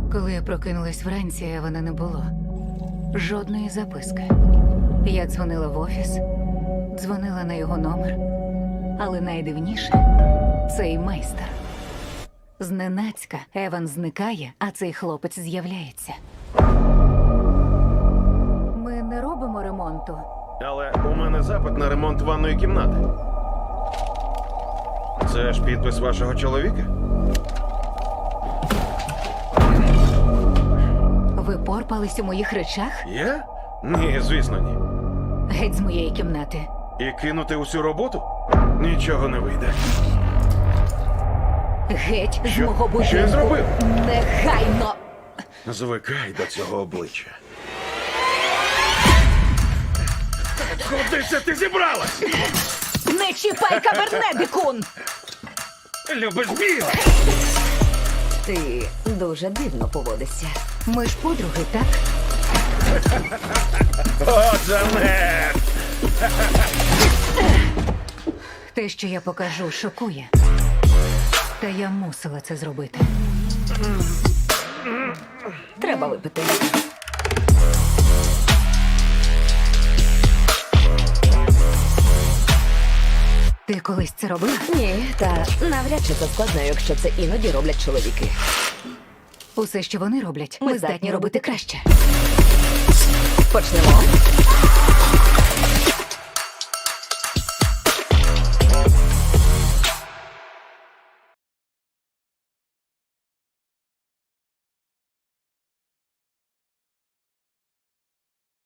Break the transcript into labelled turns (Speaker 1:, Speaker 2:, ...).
Speaker 1: Коли я прокинулась вранці, Евана не було. Жодної записки. Я дзвонила в офіс, дзвонила на його номер. Але найдивніше – цей майстер. Зненацька Еван зникає, а цей хлопець з'являється. Ми не робимо ремонту.
Speaker 2: Але у мене запит на ремонт ванної кімнати. Це ж підпис вашого чоловіка?
Speaker 1: Ви порпались у моїх речах?
Speaker 2: Я? Ні, звісно, ні.
Speaker 1: Геть з моєї кімнати.
Speaker 2: І кинути усю роботу? Нічого не вийде.
Speaker 1: Геть з
Speaker 2: Що?
Speaker 1: мого будинку.
Speaker 2: Що я зробив?
Speaker 1: Негайно!
Speaker 2: Звикай до цього обличчя. Куди це ти зібралась?
Speaker 1: Не чіпай кабернедикун!
Speaker 2: Любиш біле?
Speaker 3: Ти дуже дивно поводишся.
Speaker 1: Ми ж подруги, так?
Speaker 2: О, Джанет!
Speaker 1: Те, що я покажу, шокує. Та я мусила це зробити.
Speaker 3: Треба випити.
Speaker 1: Ти колись це робила?
Speaker 3: Ні, та навряд чи це складно, якщо це іноді роблять чоловіки.
Speaker 1: Усе, що вони роблять, ми здатні робити краще.
Speaker 3: Почнемо.